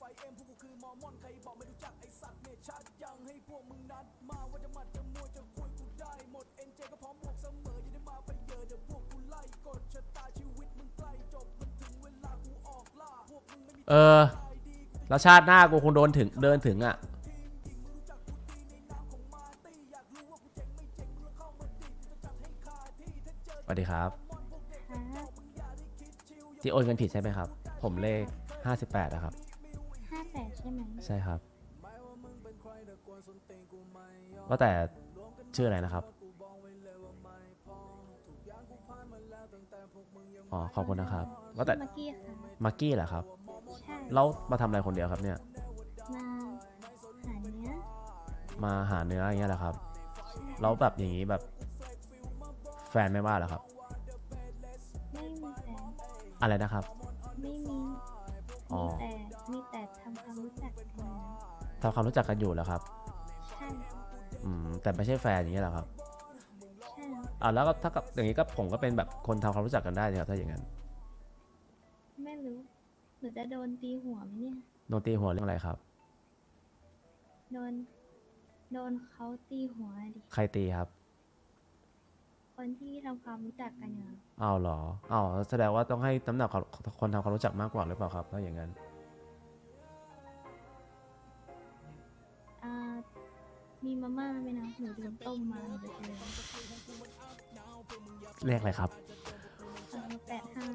เออแล้วชาติหน้ากูคงเดินถึงอ่ะสวัสดีครับที่โอนเงินผิดใช่ไหมครับผมเลข58นะครับ 58ใช่ไหมใช่ครับว่าแต่ชื่ออะไรนะครับอ๋อขอบคุณนะครับว่าแต่มักกี้ค่ะมักกี้เหรอครับใช่แล้วมาทำอะไรคนเดียวครับเนี่ยมาหาเนื้อมาหาเนื้ออย่างเงี้ยเหรอครับใช่แล้วแบบอย่างนี้แบบแฟนไม่ว่าเหรอครับไม่มีแฟนอะไรนะครับไม่มีอ๋อมีแต่ทำความรู้จักกันนะทำความรู้จักกันอยู่เหรอครับใช่แต่ไม่ใช่แฟนอย่างเงี้ยเหรอครับใช่แล้วก็ถ้ากับอย่างนี้ก็ผมก็เป็นแบบคนทำความรู้จักกันได้นะครับถ้าอย่างนั้นไม่รู้หนูจะโดนตีหัวไหมเนี่ยโดนตีหัวเรื่องอะไรครับโดนโดนเขาตีหัวดิใครตีครับคนที่ทำความรู้จักกันอยู่อ้าวเหรออ้าวแสดงว่าต้องให้น้ำหนักคนทำความรู้จักมากกว่าหรือเปล่าครับถ้าอย่างนั้นอ่ามีมาม่าไหมนะหนูลืมต้มมาหนูจะเจอเรียกอะไรครับ 85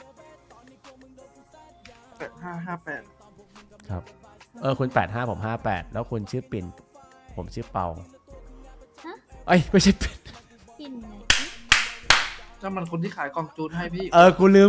8558 ครับคุณ85ผม58แล้วคุณชื่อปิ่นผมชื่อเปาฮะเอ้ยไม่ใช่ปิ่นปิ่นไหนนั่นมันคนที่ขายกล่องจูนให้พี่กูลืม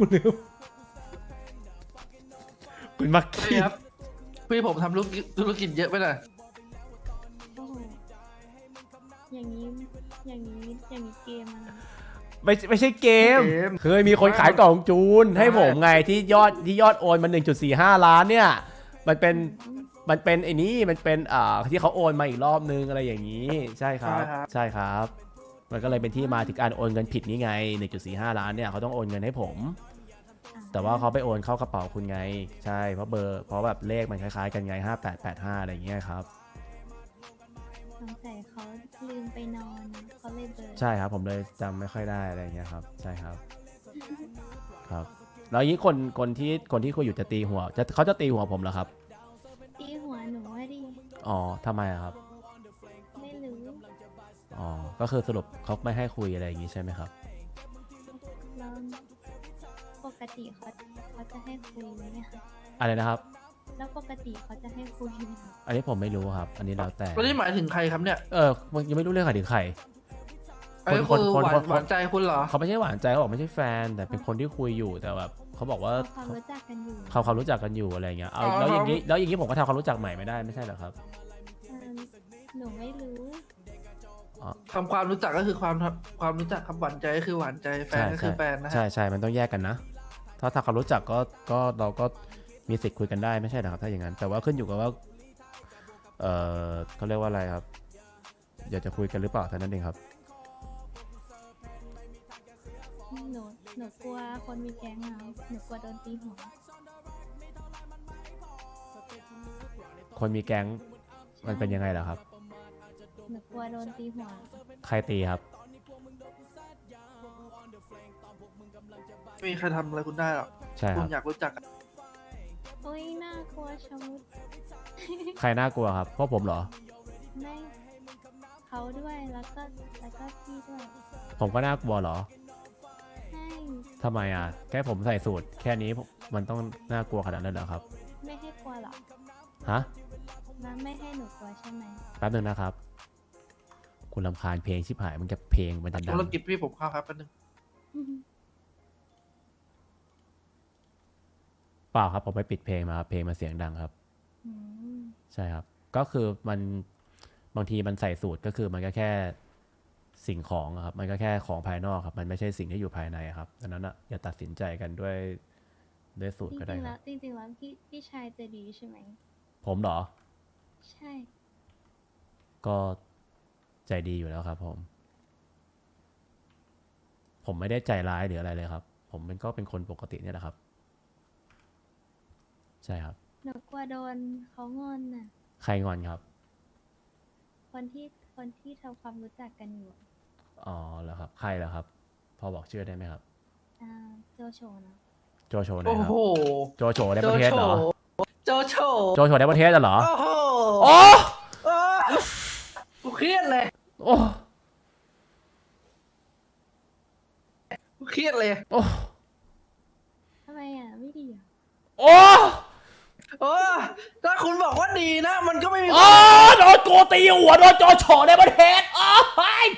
คุณมักใช่กี้ครับพี่ผมทำธุรกิจเยอะไปหน่อยโอ้โหอย่างนี้เกมอะนะไม่ใช่เกมเคยมีคนขายกล่องจูนให้ผมไงที่ยอดโอนมา1.45 ล้านเนี่ยมันเป็นไอ้นี่มันเป็นที่เขาโอนมาอีกรอบนึงอะไรอย่างนี้ใช่ครับใช่ครับมันก็เลยเป็นที่มาถึงการโอนเงินผิดนี่ไง1.45 ล้านเนี่ยเขาต้องโอนเงินให้ผมแต่ว่าเขาไปโอนเข้ากระเป๋าคุณไงใช่เพราะแบบเลขมันคล้ายๆกันไง5885อะไรอย่างเงี้ยครับสงสัยเขาลืมไปนอนเขาเลยเบลอใช่ครับผมเลยจำไม่ค่อยได้อะไรอย่างเงี้ยครับใช่ครับครับแล้วอย่างนี้คนที่คุยอยู่จะตีหัวเขาจะตีหัวผมเหรอครับตีหัวหนูว่าดิอ๋อทำไมอะครับไม่รู้อ๋อก็คือสรุปเขาไม่ให้คุยอะไรอย่างงี้ใช่ไหมครับแล้วปกติเขาจะให้คุยไหมคะอะไรนะครับแล้วปกติเขาจะให้คุยไหมคะอันนี้ผมไม่รู้ครับอันนี้แล้วแต่แล้วนี่หมายถึงใครครับเนี่ยมันยังไม่รู้เรื่องใครถึงใครไอ้คือหวานใจคุณเหรอเขาไม่ใช่หวานใจเขาบอกไม่ใช่แฟนแต่เป็นคนที่คุยอยู่แต่แบบเขาบอกว่าเขารู้จักกันอยู่เขารู้จักกันอยู่อะไรเงี้ยเอาแล้วอย่างนี้ผมก็ทำความรู้จักใหม่ไม่ได้ไม่ใช่เหรอครับหนูไม่รู้ทำความรู้จักก็คือความรู้จักคำหวานใจก็คือหวานใจแฟนก็คือแฟนนะใช่มันต้องแยกกันนะถ้าความรู้จักก็เราก็มีสิทธิ์คุยกันได้ไม่ใช่เหรอครับถ้าอย่างนั้นแต่ว่าขึ้นอยู่กับว่าเขาเรียกว่าอะไรครับอยากจะคุยกันหรือเปล่าเท่านั้นเองครับหนูกลัวคนมีแก๊งเอาหนูกลัวโดนตีหัวคนมีแก๊งมันเป็นยังไงล่ะครับหนูกลัวโดนตีหัวใครตีครับไม่มีใครทำอะไรคุณได้หรอกใช่คคุรับณอยากรู้จักโอ้ยน่ากลัวชะมุดใครน่ากลัวครับเพราะผมเหรอไม่เขาด้วยแล้วก็พี่ด้วยผมก็น่ากลัวเหรอใช่ทำไมอ่ะแค่ผมใส่สูตรแค่นี้มันต้องน่ากลัวขนาดนั้นเหรอครับไม่ให้กลัวหรอฮะแล้วไม่ให้หนูกลัวใช่ไหมแป๊บนึงนะครับคุณรำคาญเพลงชิบหายมันจะเพลงมันจะดังธุรกิจพี่ผมเข้าครับแป๊บนึงเปล่าครับผมไปปิดเพลงมาครับเพลงมันเสียงดังครับใช่ครับก็คือมันบางทีมันใส่สูตรก็คือมันก็แค่สิ่งของครับมันก็แค่ของภายนอกครับมันไม่ใช่สิ่งที่อยู่ภายในครับดังนั้นอย่าตัดสินใจกันด้วยสูตรก็ได้ครับจริงๆแล้วพี่ชายจะดีใช่ไหมผมเหรอใช่ก็ใจดีอยู่แล้วครับผมไม่ได้ใจร้ายหรืออะไรเลยครับผมก็เป็นคนปกติเนี่ยแหละครับใช่ครับหหนูกลัวโดนเขางอนน่ะใครงอนครับคนที่ทำความรู้จักกันอยู่อะอ๋อเหรอครับ ใครเหรอครับ พอบอกชื่อได้ไหมครับโจโฉนะโจโฉไหนโอ้ครับโหโจโฉในประเทศเหรอโจโฉโจโฉในประเทศเหรอโอ้โหโอ้โอ้กูเครียดเลยโอ้กูเครียดเลยโอ้ทำไมอ่ะ ไม่ดีอ่ะโอ้โอ้ถ้าคุณบอกว่าดีนะ มันก็ไม่มีโอ้โดนโกตีหัวโดนโจโฉในประเทศโอ้ย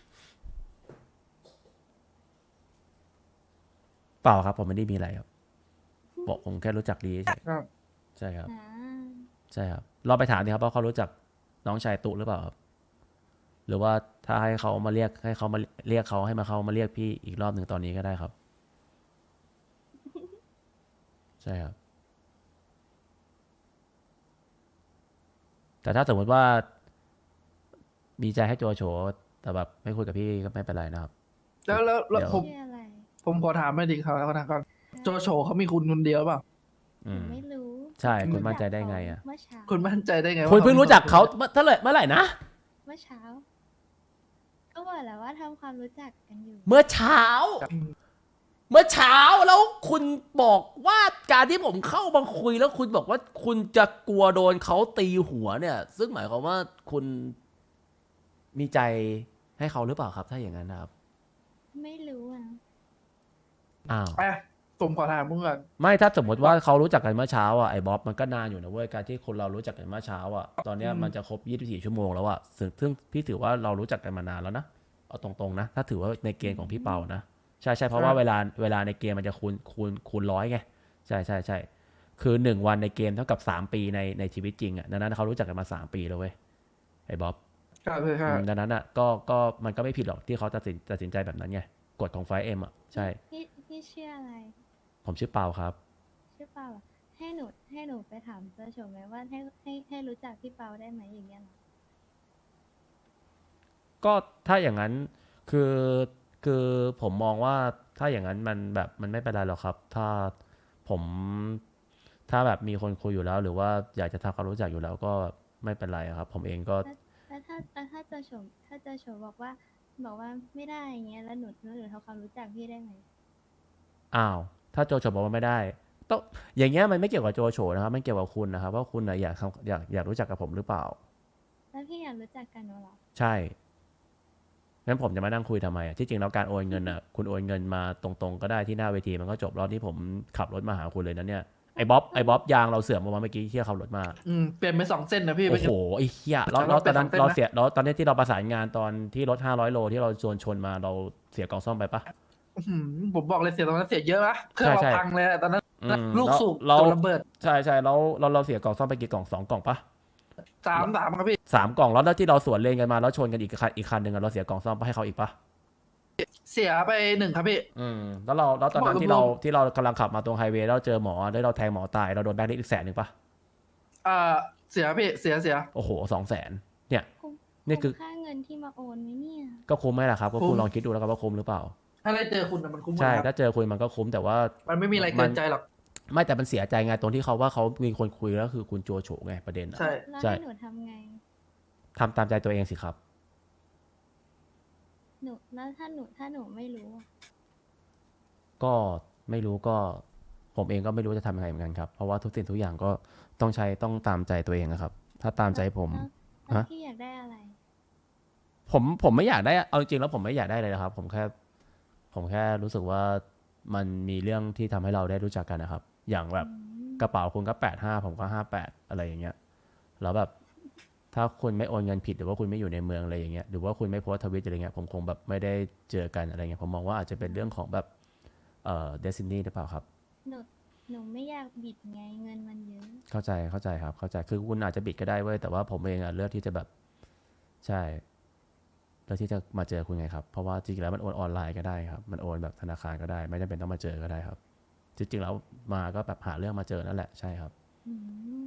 เปล่าครับผมไม่ได้มีอะไรครับบอกผมแค่รู้จักดีเฉยครับใช่ครับอ่าใช่ครับลองไปถามดิครับว่าเขารู้จักน้องชายตุหรือเปล่าครับหรือว่าถ้าให้เขามาเรียกให้เขามาเรียกเขาให้มาเขามาเรียกพี่อีกรอบหนึ่งตอนนี้ก็ได้ครับ ใช่ครับ แต่ถ้าสมมติว่ามีใจให้โจโฉแต่แบบไม่คุยกับพี่ก็ไม่เป็นไรนะครับแล้วเดี๋ยวผมชื่ออะไรผมขอถามไม่ดีครับแล้วก่อนโจโฉเขามีคุณคนเดียวเปล่าอืหนูมไม่รู้ใช่คุณมั่นใจได้ไงอะเมื่อเช้าคุณมั่นใจได้ไงว่าคุณเพิ่งรู้จักเขาเมื่อไหร่นะเมื่อเช้า ก็บอกแล้วว่าทำความรู้จักกันอยู่เมื่อเช้า เมื่อเช้าแล้วคุณบอกว่าการที่ผมเข้ามาคุยแล้วคุณบอกว่าคุณจะกลัวโดนเขาตีหัวเนี่ย ซึ่งหมายความว่าคุณมีใจให้เขาหรือเปล่าครับ ถ้าอย่างนั้นนะครับไม่รู้อ่ะอ้าวไปผมขอถามมึงก่อนไม่ถ้าสมมติว่าเขารู้จักกันเมื่อเช้าอ่ะไอ้บ๊อบมันก็นานอยู่นะเว้ยการที่คนเรารู้จักกันเมื่อเช้าอ่ะตอนเนี้ยมันจะครบ24ชั่วโมงแล้วอ่ะซึ่งพี่ถือว่าเรารู้จักกันมานานแล้วนะเอาตรงๆนะถ้าถือว่าในเกณฑ์ของพี่เปานะใช่เพราะว่าเวลาในเกมมันจะคูณร้อยไงใช่คือ1 วันในเกมเท่ากับ3 ปีในชีวิตจริงอ่ะดังนั้นเขารู้จักกันมา3 ปีแล้วเว้ยไอ้บ๊อบครับเลยครับดังนั้นอ่ะก็มันก็ไม่ผิดหรอกที่เขาตัดสินใจแบบนั้นไงกฎของไฟเอ็มอ่ะใช่พี่ชื่ออะไรผมชื่อเปาครับชื่อเปาเหรอให้หนูไปถามเจ้าโฉมไหมว่าให้รู้จักพี่เปาได้ไหมอย่างเงี้ยเหรอก็ถ้าอย่างนั้นคือผมมองว่าถ้าอย่างนั้นมันแบบมันไม่เป็นไรหรอกครับ ผมถ้าแบบมีคนคุยอยู่แล้ว หรือว่าอยากจะทำความรู้จักอยู่แล้วก็ไม่เป็นไรครับ ผมเองก็แล้วถ้าเจ้าโฉมบอกว่าไม่ได้อย่างเงี้ยแล้วหนูทำความรู้จักพี่ได้ไหมอ้าวถ้าโจโฉบอกว่าไม่ได้ต้องอย่างเงี้ยมันไม่เกี่ยวกับโจโฉนะครับมันเกี่ยวกับคุณนะครับว่าคุณน่ะอยากรู้จักกับผมหรือเปล่าแล้วพี่อยากรู้จักกันเหรอใช่งั้นผมจะมานั่งคุยทำไมอ่ะที่จริงแล้วการโอนเงินอ่ะคุณโอนเงินมาตรงๆก็ได้ที่หน้าเวทีมันก็จบรอบที่ผมขับรถมาหาคุณเลยนะเนี่ยไอ้บ๊อบยางเราเสื่อมมาเมื่อกี้ที่ขับรถมาเปลี่ยนไป2 เส้นนะพี่โอ้โหไอ้เหี้ยแล้วตอนนั้นเป็นเราสองเส้นนะเสียแล้วตอนนี้ที่เราประสานงานตอนที่รถ500 โลที่เราชนมาเราเสียกล่องซ่อมไปปะผมบอกเลยเสียตอนนั้นเสียเยอะนะเครื่องเราใช่พังเลยอะตอนนั้นอืมลูกสูบเราตัวระเบิดใช่แล้วเราเสียกล่องซ่อมไปกี่กล่อง2 กล่องปะ 3ครับพี่ 3 กล่องแล้วที่เราสวนเลนกันมาแล้วชนกันอีกคันหนึ่งอะเราเสียกล่องซ่อมไปให้เขาอีกปะเสียไป1ครับพี่แล้วตอนนั้นบอกที่เรากำลังขับมาตรงไฮเวย์แล้วเจอหมอแล้วเราแทงหมอตายเราโดนแบงค์ลิสต์อีก100,000ปะเสียพี่เสียโอ้โห200,000เนี่ยคุ้มนี่คือค่าเงินที่มาโอนไหมเนี่ยก็คุ้มไหมล่ะครับก็คุ้คุณมลองคิดดูแล้วกันว่าคุ้มหรือเปล่าถ้าได้เจอคุณน่ะมันคุ้มหมดใช่ครับถ้าเจอคุณมันก็คุ้มแต่ว่ามันไม่มีอะไรเกินใจหรอกไม่แต่มันเสียใจไงตรงที่เขาว่าเขามีคนคุยแล้วคือคุณโจโฉไงประเด็นอะใช่แล้วใช่ให้หนูทำไงทำตามใจตัวเองสิครับแล้วถ้าหนูไม่รู้อะก็ไม่รู้ก็ผมเองก็ไม่รู้จะทำยังไงเหมือนกันครับเพราะว่าทุกสิ่งทุกอย่างก็ต้องตามใจตัวเองนะครับ ถ้าตามใจผมแล้วฮะพี่อยากได้อะไรผมไม่อยากได้เอาจริงๆแล้วผมไม่อยากได้เลยนะครับ ผมแค่รู้สึกว่ามันมีเรื่องที่ทำให้เราได้รู้จักกันนะครับ อย่างแบบกระเป๋าคุณก็85ผมก็58อะไรอย่างเงี้ยแล้วแบบถ้าคุณไม่โอนเงินผิดหรือว่าคุณไม่อยู่ในเมืองอะไรอย่างเงี้ยหรือว่าคุณไม่โพสต์ทวิตอะไรเงี้ยผมคงแบบไม่ได้เจอกันอะไรเงี้ยผมมองว่าอาจจะเป็นเรื่องของแบบเดซินี่หรือเปล่าครับหนูไม่อยากบิดไงเงินมันเยอะเข้าใจครับเข้าใจคือคุณอาจจะบิดก็ได้เว้ยแต่ว่าผมเองอะเลือกที่จะแบบใช่เลือกที่จะมาเจอคุณไงครับเพราะว่าจริงๆแล้วมันโอนออนไลน์ก็ได้ครับมันโอนแบบธนาคารก็ได้ไม่จำเป็นต้องมาเจอก็ได้ครับจริงๆแล้วมาก็แบบหาเรื่องมาเจอนั่นแหละใช่ครับอืม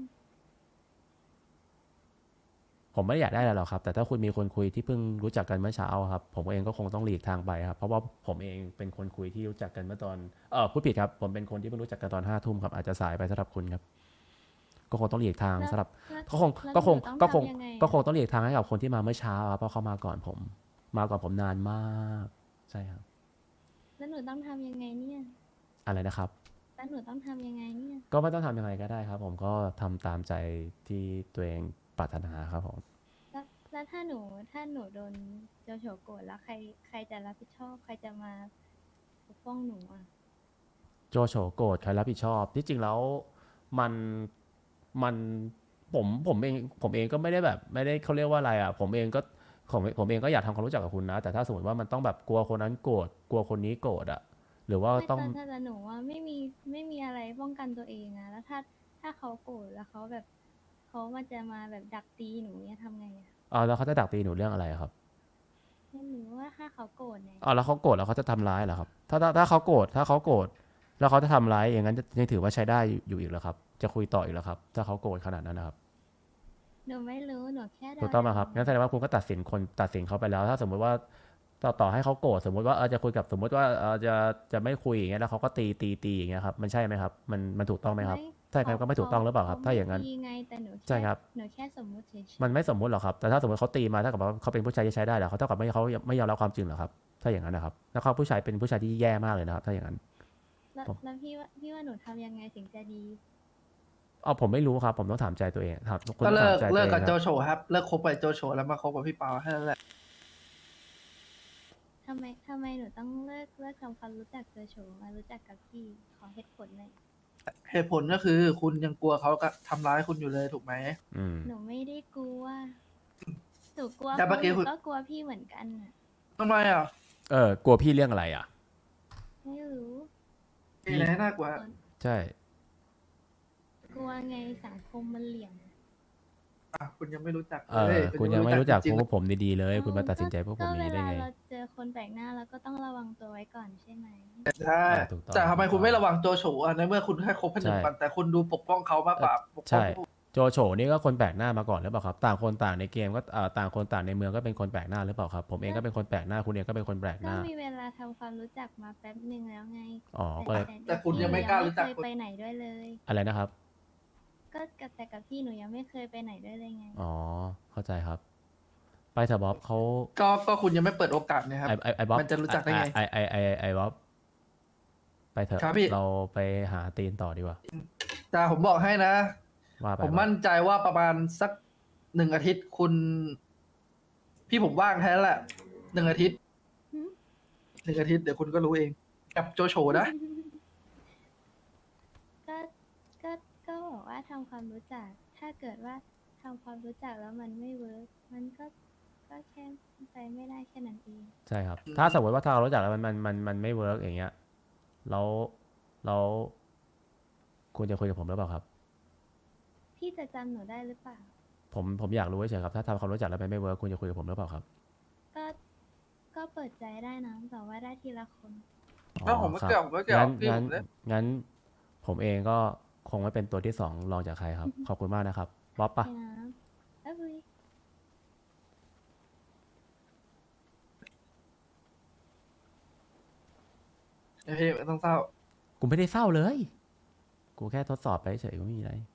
ผมไม่ได้อยากได้อะไรหรอกครับแต่ถ้าคุณมีคนคุยที่เพิ่งรู้จักกันเมื่อเช้าครับผมเองก็คงต้องหลีกทางไปครับเพราะว่าผมเองเป็นคนคุยที่รู้จักกันเมื่อตอนพูดผิดครับผมเป็นคนที่เพิ่งรู้จักกันตอน5 ทุ่มครับอาจจะสายไปสำหรับคุณครับก็คงต้องหลีกทางแล้วสำหรับแล้วก็คงแล้วก็คงหนูต้องก็คงทำยังไงก็คงต้องหลีกทางให้กับคนที่มาเมื่อเช้าครับเพราะเขามาก่อนผม มาก่อนผมนานมากใช่ครับแล้วหนูต้องทำยังไงเนี่ยอะไรนะครับแล้วหนูต้องทำยังไงเนี่ยก็ไม่ต้องทำยังไงก็ได้ครับ ผมก็ทำตามใจที่ตัวเองปรารถนาครับผมแล้วถ้าหนูโดนโจโฉโกรธแล้วใครจะรับผิดชอบใครจะมาปกป้องหนูอ่ะโจโฉโกรธใครรับผิดชอบที่จริงแล้วมันมันผมเองก็ไม่ได้แบบไม่ได้เขาเรียกว่าอะไรอ่ะผมเองก็อยากทำความรู้จักกับคุณนะ แต่ถ้าสมมติว่ามันต้องแบบกลัวคนนั้นโกรธกลัวคนนี้โกรธอ่ะหรือว่าไม่ต้องแต่หนูว่าไม่มีอะไรป้องกันตัวเองอะแล้วถ้าเขาโกรธแล้วเขาแบบเขามันจะมาแบบดักตีหนูเนี่ยทำไงอะแล้วเขาจะดักตีหนูเรื่องอะไรครับไม่รู้ว่าถ้าเขาโกรธเนี่ยแล้วเขาโกรธแล้วเขาจะทำร้ายเหรอครับถ้าเขาโกรธแล้วเขาจะทำร้ายอย่างนั้นยังถือว่าใช้ได้อยู่อีกเหรอครับจะคุยต่ออีกเหรอครับถ้าเขาโกรธขนาดนั้นนะครับหนูไม่รู้หนูแค่เดาถูกต้องไหมครับงั้นแสดงว่าคุณก็ตัดสินเขาไปแล้ว ถ้าสมมุติว่าต่อให้เขาโกรธสมมติว่าจะคุยกับสมมติว่าจะไม่คุยอย่างเงี้ยแล้วเขาก็ตีอย่างเงี้ยครับมันใช่ไหมครับมันถูกต้องไหมครับใช่ครับก็ไม่ถูกต้องหรือเปล่าครับถ้าอย่างนั้นเขไม่ดีไงแต่หนูใช่ครับหนูแค่สมมุติเฉยมันไม่สมมุติหรอกครับแต่ถ้าสมมติเขาตีมาเท่ากับว่าเขาเป็นผู้ชายที่ใช้ได้เหรอเขาเท่ากับเขาไม่ยอมรับความจริงเหรอครับถ้าอย่างนั้นนะครับแล้วเขาผู้ชายเป็นผู้ชายที่แย่มากเลยนะครับถ้าอย่างนั้นๆแล้วผมแล้วพี่ว่าหนูทำยังไงถึงจะดีผมไม่รู้ครับผมต้องถามใจตัวเองครับคุณก็ต้องเลิถาก มใจตัวเลิเอก งกับคโจรับโฉครับเลิกคบกับโจโฉแล้วมาคบกับพี่เปาแค่นั้นแหละทำไมหนูต้องเลิกทำความรู้จักเจอโฉมารู้จักกับพี่ขอเหตุผลหน่อยเหตุผลก็คือคุณยังกลัวเขาก็ทำร้ายคุณอยู่เลยถูกไหมอืมหนูไม่ได้กลัวหนูกลัวแต่เขาเมื่อกี้หนูคุณก็กลัวพี่เหมือนกันน่ะทำไมอ่ะกลัวพี่เรื่องอะไรอ่ะไม่รู้มีอะไรให้น่ากลัวใช่กลัวไงสังคมมันเหลี่ยมคุณยังไม่รู้จักคุณยังไม่รู้จักจริงพวกผมดีๆเลยเอ้าคุณมาตัดสินใจพวกผมก็นี้ได้ไงเวลาเราเจอคนแปลกหน้าเราก็ต้องระวังตัวไว้ก่อนใช่ไหมๆใช่ถูกต้องแต่ทำไมคุณไม่ระวังโจโฉอ่ะในเมื่อคุณแค่คบแค่หนึ่งใช่วันแต่คุณดูปกป้องเขามากกว่าปกป้องใช่ผู้โจโฉนี่ก็คนแปลกหน้ามาก่อนหรือเปล่าครับ ต่างคนต่างในเกมก็ต่างคนต่างในเมืองก็เป็นคนแปลกหน้าหรือเปล่าครับ ผมเองก็เป็นคนแปลกหน้าคุณเองก็เป็นคนแปลกหก็น้ามีเวลาทำความรู้จักมาแป๊บหนึ่งแล้วไงอ๋อก็เลยแต่คุณยังไม่กล้ารู้จักเคยไปไหนด้วยเลยอะไรนะครับก็แต่กับพี่หนูยังไม่เคยไปไหนด้วยเลยไงอ๋อเข้าใจครับ ไปเถอะบ๊อบเขาก็คุณยังไม่เปิดโอกาสนะครับไอบ๊อบมันจะรู้จักได้ไงไอบ๊อบไปเถอะครับพี่เราไปหาตีนต่อดีกว่าแต่ผมบอกให้นะว่าไปผมมั่นใจว่าประมาณสัก1 อาทิตย์คุณ พี่ผมว่างแค่นั้นแหละ1 อาทิตย์หืม 1 อาทิตย์เดี๋ยวคุณก็รู้เอง กับโจโฉนะก็ก็บอกว่าทำความรู้จัก ถ้าเกิดว่าทำความรู้จักแล้วมันไม่เวิร์กมันก็แค่ไปไม่ได้แค่นั้นเองใช่ครับ ถ้าสมมติว่าถ้าเรารู้จักแล้วมันไม่เวิร์กอย่างเงี้ยแล้วคุณจะคุยกับผมหรือเปล่าครับพี่จะจำหนูได้หรือเปล่าผมอยากรู้เฉยๆครับถ้าทำความรู้จักแล้วมันไม่เวิร์กคุณจะคุยกับผมหรือเปล่าครับก็เปิดใจได้นะแต่ว่าได้ทีละคนก็ผมไม่ครับเกี่ยวผมไม่เกี่ยวงั้นพี่งั้ผนมเลยงั้นผมเองก็คงไม่เป็นตัวที่สองรองจากใครครับ ขอบคุณมากนะครับบ๊อบปะใช่นะเอ้ยพี่ไม่ต้องเศร้ากูไม่ได้เศร้าเลย กูแค่ทดสอบไปเฉยกูไม่มีอะไร